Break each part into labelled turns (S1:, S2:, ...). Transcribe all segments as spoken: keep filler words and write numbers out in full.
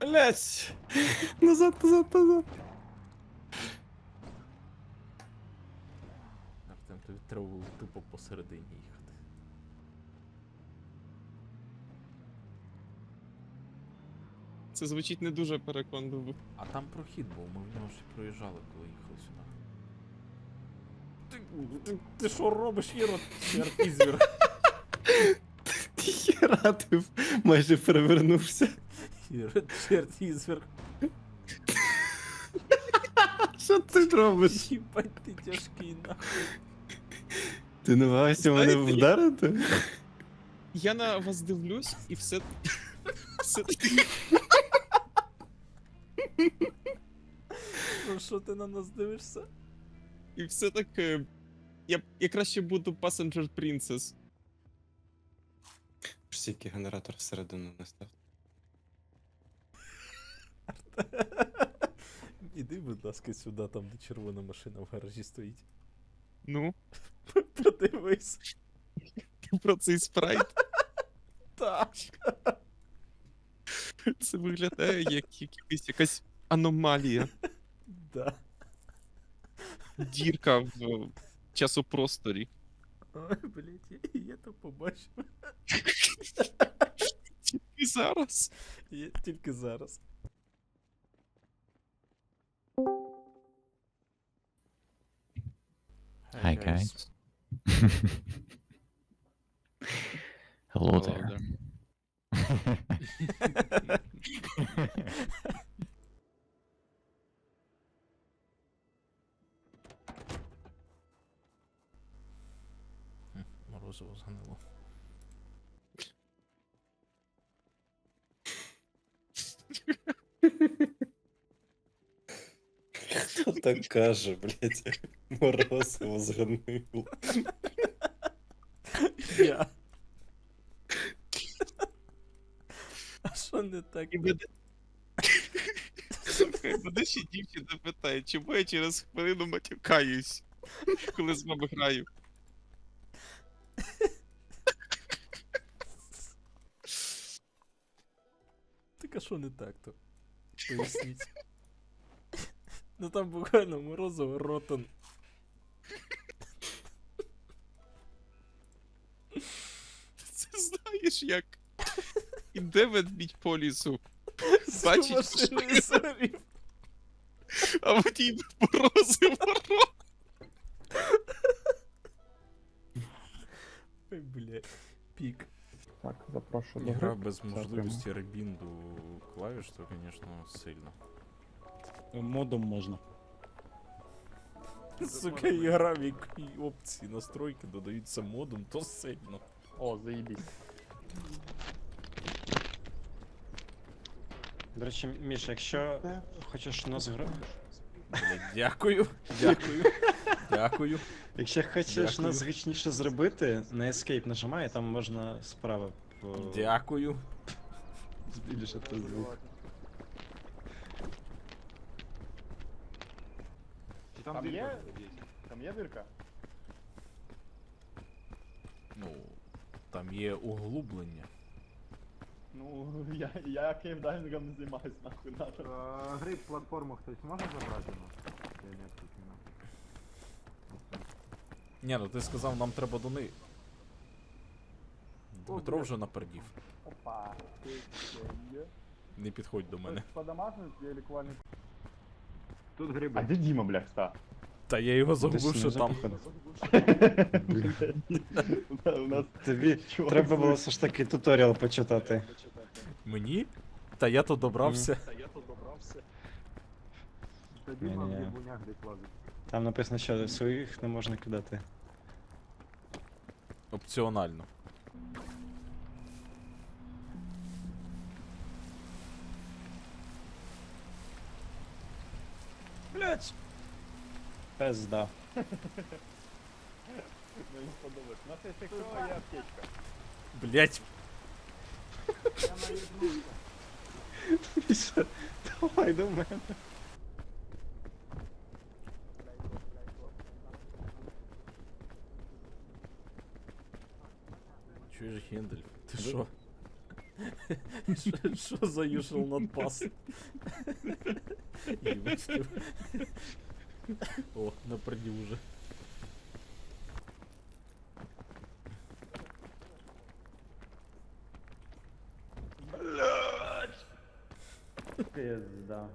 S1: Блять! Назад, назад, назад.
S2: Артем, тобі треба було тупо посередині їхати.
S1: Це звучить не дуже переконливо.
S2: А там прохід був, ми в нього ще проїжджали, коли їхали сюди. Ти, ти, ти що робиш, Іро? Черт ізвір.
S1: Хіра, ти майже перевернувся.
S2: Іро, черт ізвір.
S1: Що ти робиш?
S2: Їбать, ти тяжкий, нахуй.
S1: Ти намагався мене
S3: Знаєте,
S1: вдарити?
S3: Я на вас дивлюсь і все. все
S2: Ну що ти на нас дивишся?
S3: і все так. е, Я, я краще буду Passenger Princess.
S1: Стільки генератор всередину не став.
S2: Іди, будь ласка, сюди, там де червона машина в гаражі стоїть.
S3: Ну,
S2: Подивись.
S3: ти про цей спрайт.
S2: Так.
S3: Це виглядає як якась, якась аномалія.
S2: Да.
S3: Дірка в часопросторі.
S2: Ой, блядь, я, я то побачив.
S3: І зараз.
S2: Я тільки зараз.
S4: Hi, guys. Hello there.
S2: Хм, Морозиво зганило.
S1: Хто так каже, блять? Морозиво зганило.
S2: Я. А що не так?
S3: І мене... Слухай, мене ще дівчина питає, чому я через хвилину матюкаюсь, коли з вами граю.
S2: Так а що не так то? Поясніть. Ну там буквально морозиво ротан.
S3: Це знаєш як? Іде ведмідь по лісу,
S2: З
S3: Бачить,
S2: машиною сорів.
S3: а водій морозиво рот.
S2: Ой, блядь. Пік.
S5: Так, запрошую до
S2: Гра
S5: гри.
S2: без
S5: Дякую.
S2: можливості ребінду клавіш, то, звісно, сильно.
S5: Модом можна.
S2: Сука, ігра, в якій опції настройки додаються модом, то сильно.
S5: О, заїбісь.
S6: До речі, Міш, якщо хочеш нас гра...
S2: Блядь, дякую, дякую, дякую.
S6: Якщо хочеш
S2: Дякую.
S6: нас звичніше зробити, на Escape нажимай, там можна справа по...
S2: Дякую.
S6: збільшити звук.
S5: Там є? Там є дирка?
S2: Ну, там є углублення.
S5: Ну, я, я кейвдайвингом не займаюсь, нахуй надо.
S7: Гриб платформу хтось може забрати у нас? Я не включено.
S2: Ні, ну ти сказав, нам треба до неї. Дмитро вже напердів.
S5: Опа, ти ще є.
S2: Не підходь до мене.
S5: Подамажник є лікувальний.
S7: Тут гриби.
S5: А де Діма, бляха, ста?
S2: Та я його
S6: Десь
S2: загубив, що
S6: внизу,
S2: там.
S6: походу.
S5: У нас
S6: Тобі
S5: чувак
S6: треба було
S5: з-
S6: все ж таки туторіал почитати.
S2: Мені? Та я то добрався.
S7: Та Діма в
S6: Ні-ні-ні.
S7: грибунях десь лазить.
S6: Там написано, що своїх не можна кидати.
S2: Опціонально.
S6: Блять! Пизда.
S5: Мені сподобалось. У нас є стекло і аптечка.
S2: Блять.
S7: Я наїбнувся.
S6: Міша, давай до мене.
S2: Чуєш, Гендель? Ти що? Що- Що за usual not pass? Їбать. О, напереді уже.
S6: Пизда.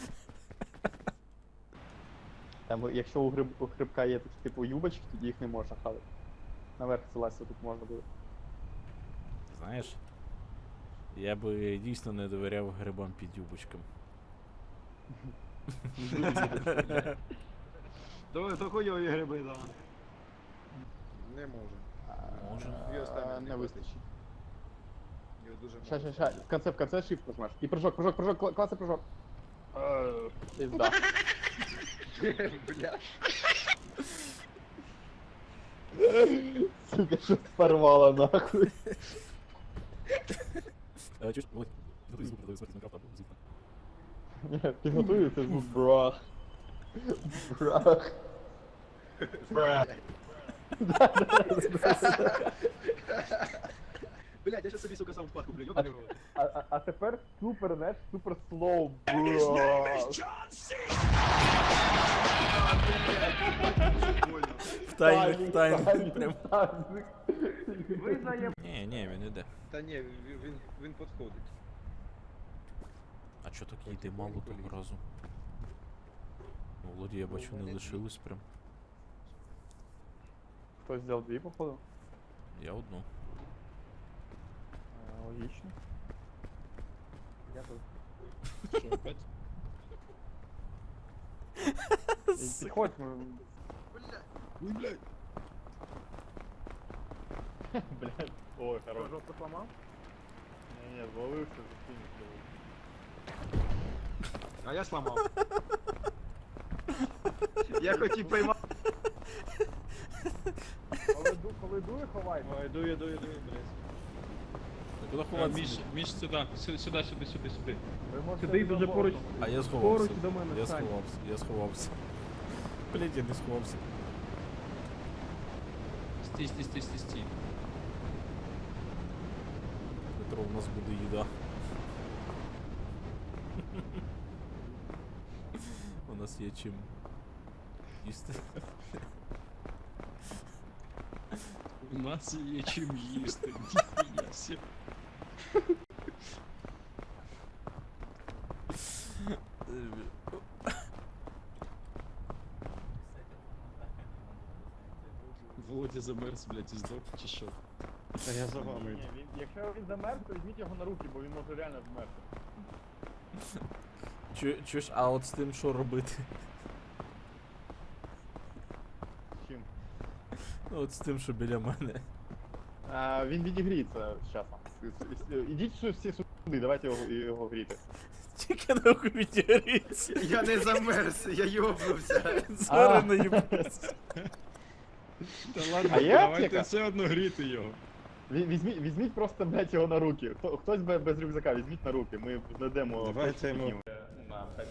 S5: Там, якщо у, гриб, у грибка є такі типу юбочки, тоді їх не можна хавати. Наверх залазити тут можна буде.
S2: Знаєш, я би дійсно не довіряв грибам під юбочком.
S6: То, то хуйові гриби, да.
S8: Не може.
S2: Може.
S8: Дві останні
S5: А,
S8: не
S5: не
S8: вистачить.
S5: вистачить.
S8: Його дуже
S5: Ща,
S8: мало.
S5: ща, ща. В конце, в конце shift нажмеш. І прыжок, прыжок, прыжок, кла- класний прыжок. Е, Пизда.
S8: Бля.
S5: Сука, що порвало нахуй.
S2: Е, Чуєш, Володь, готуй звук, готуй смерть Майнкрафта, звук.
S5: Ні, підготую, це звук брах. Брах.
S8: Блядь, я щас собі, сука, сам впад куплю, ёбаний в рот.
S5: А, а, а тепер супер, знаєш, супер слоу брах.
S8: Больно.
S2: В таймінг, в таймінг, прям.
S5: таймінг.
S7: Ви заєб...
S2: Ні, ні, він іде.
S8: Та ні, він, він, він підходить.
S2: А чо так йде мало того разу? Володі, я бачу, не лишилось прям.
S5: Хтось взяв дві, походу?
S2: Я одну.
S5: Е, Логічно. Я тут.
S3: Що, опять?
S5: І Підходь, ми...
S8: Ой, блядь.
S5: Блядь. Ой, хорош.
S7: Жопу поламав?
S5: Ні, ні, звалився, закинь.
S8: А я сломав. Я хотів поймати.
S7: Коли, ду, коли дує, ховай.
S6: Ой, дує, дує, дує, блядь.
S2: Та куди
S3: А,
S2: ховатися?
S3: Міш, Міш, сюди, сюди, сюди, сюди, сюди, сюди.
S7: Ви можете
S5: Сиди дуже
S7: за
S5: поруч.
S7: бортом.
S2: А я сховався.
S7: Поруч до мене
S2: Я
S7: стань.
S2: сховався, я сховався. Блять, я не сховався.
S3: Стій, стій, стій, стій, стій.
S2: Петро, у нас буде їда. У нас є чим їсти.
S3: У нас є чим їсти. Ніхуя сі. Володя замерз, блядь, і здох, чи що?
S6: Та я за вами.
S5: Ні, він, якщо він замерз, то візьміть його на руки, бо він може реально вмерти.
S2: Чу- Чуєш, а от з тим що робити?
S5: Чим?
S2: Ну от з тим, що біля мене.
S5: А, він відігріється з часом. Ідіть всі всі сюди, давайте його, його гріти.
S2: Тільки нахуй відігріться.
S8: Я не замерз, я йобнувся.
S2: Зараз не їбаться.
S3: Та ладно,
S5: А є
S3: давайте
S5: аптека?
S3: все одно гріти його.
S5: Ві- Візьміть, візьміть просто, блядь, його на руки. Хто, хтось без, без рюкзака, візьміть на руки. Ми знайдемо...
S6: Давайте йому.
S5: На п'ять.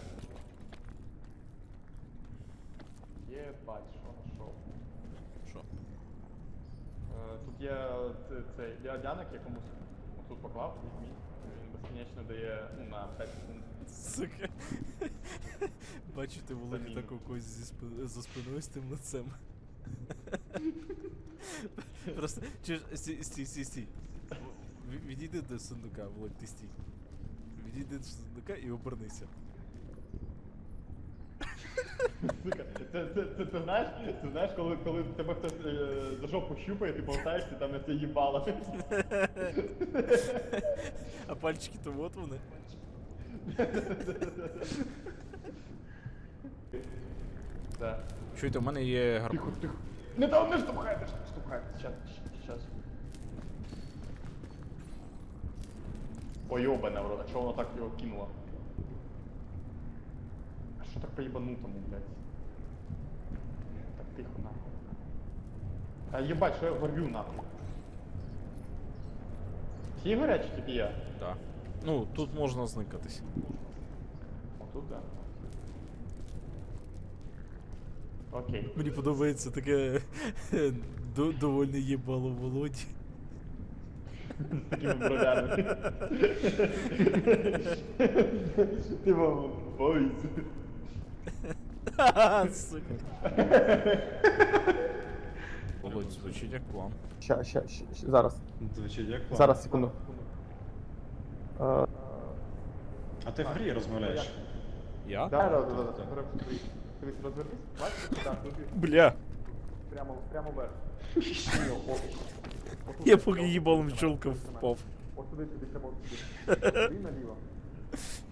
S5: Єбать, що нашов.
S2: Що?
S5: Е, Тут є ц- цей ліадяник, якомусь тут поклав, візьміть. Він безкінечно дає ну, на п'ять секунд.
S2: Сука. Бачите, Володі
S5: Заміну.
S2: так у когось зі спи- за спиною з тим лицем. Просто, чуєш, стій, стій, стій, стій. В- Відійди до сундука, Володь, ти стій. Відійди до сундука і обернися.
S5: Сука, це, це, це, це знаєш, це знаєш, коли, коли тебе хтось е, за жопу щупає, ти болтаєшся, там на це їбало.
S2: А пальчики то от вони.
S5: Так.
S2: Чуєте, у мене є гарпун.
S5: Тихо, тихо. Не там не штовхай, не штовхай. Щас, щас. Ой, йобане, в рот, а чого воно так його кинуло? А що так по-єбанутому, блядь? Так тихо, нахуй. А єбать, що я горю, нахуй. Всі горять, чи тільки я?
S2: Так. Ну, тут можна зникатись.
S5: Отут, да. Окей.
S2: Мені подобається таке до- довольне їбало Володі.
S5: З такими бровями. Ти мама, бойся.
S2: Ха-ха, сука. Володь, звучить як план.
S5: Ща, ща, ща, ща, зараз.
S6: Звучить як план.
S5: Зараз, секунду. Е,
S6: А ти в грі розмовляєш?
S2: Я?
S5: Да, да, да,
S6: так,
S5: да,
S6: так.
S5: да. Дивись, розвернись, бачиш? Так, тут
S2: Бля.
S5: прямо, прямо вверх.
S2: Я поки їбалом в чолка впав.
S5: Ось сюди, тобі треба ось сюди. Сюди наліво.